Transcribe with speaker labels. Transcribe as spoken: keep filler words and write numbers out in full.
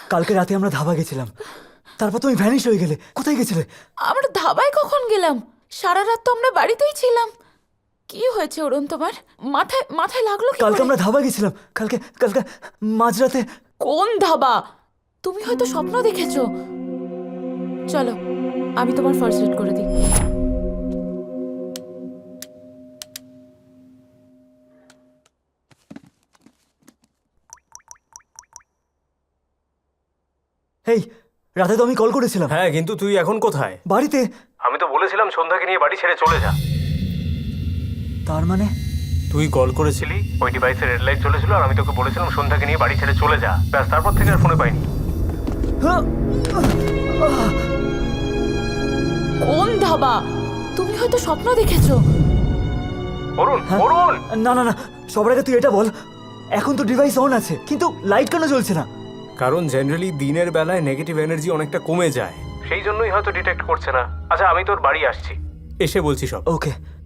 Speaker 1: কালকে রাতে আমরা ধাবা গেছিলাম, তারপর তুমি ভ্যানিশ হয়ে গেলে। কোথায় গেছিলে?
Speaker 2: আমরা ধাবায় কখন গেলাম? সারা রাত তো আমরা বাড়িতেই ছিলাম। কি হয়েছে অরুণ তোমার? মাথায় মাথায় লাগলো কি
Speaker 1: কালকে
Speaker 2: করে?
Speaker 1: আমরা ধাবা গেছিলাম, কালকে কালকে মাঝরাতে।
Speaker 2: কোন ধাবা? তুমি হয়তো স্বপ্ন দেখেছো। চলো আমি তোমার ফার্স্ট এড করে দিই।
Speaker 1: এই রাতে তো আমি কল করেছিলাম।
Speaker 3: হ্যাঁ, কিন্তু তুই এখন কোথায়?
Speaker 1: বাড়িতে।
Speaker 3: আমি তো বলেছিলাম সন্ধ্যাকে নিয়ে বাড়ি ছেড়ে চলে যা।
Speaker 1: তার মানে
Speaker 3: তুই কল করেছিলি, ওই ডিভাইসে রেড লাইট চলেছিল, আর আমি তোকে বলেছিলাম সন্ধ্যাকে নিয়ে বাড়ি ছেড়ে চলে যা। ব্যাস, তারপর থেকে আর ফোনে পাইনি।
Speaker 2: কোন ধাবা? তুমি হয়তো স্বপ্ন দেখেছো।
Speaker 3: অরুণ,
Speaker 1: হ্যাঁ?
Speaker 3: অরুণ!
Speaker 1: না না না, সবার আগে তুই এটা বল, এখন তো ডিভাইস অন আছে কিন্তু লাইট কেন জ্বলছে না?
Speaker 3: কারণ জেনারেলি দিনের বেলায় নেগেটিভ এনার্জি অনেকটা কমে যায়, সেই জন্যই হয়তো ডিটেক্ট করছে না। আচ্ছা, আমি তোর বাড়ি আসছি, এসে বলছি সব।
Speaker 1: ওকে।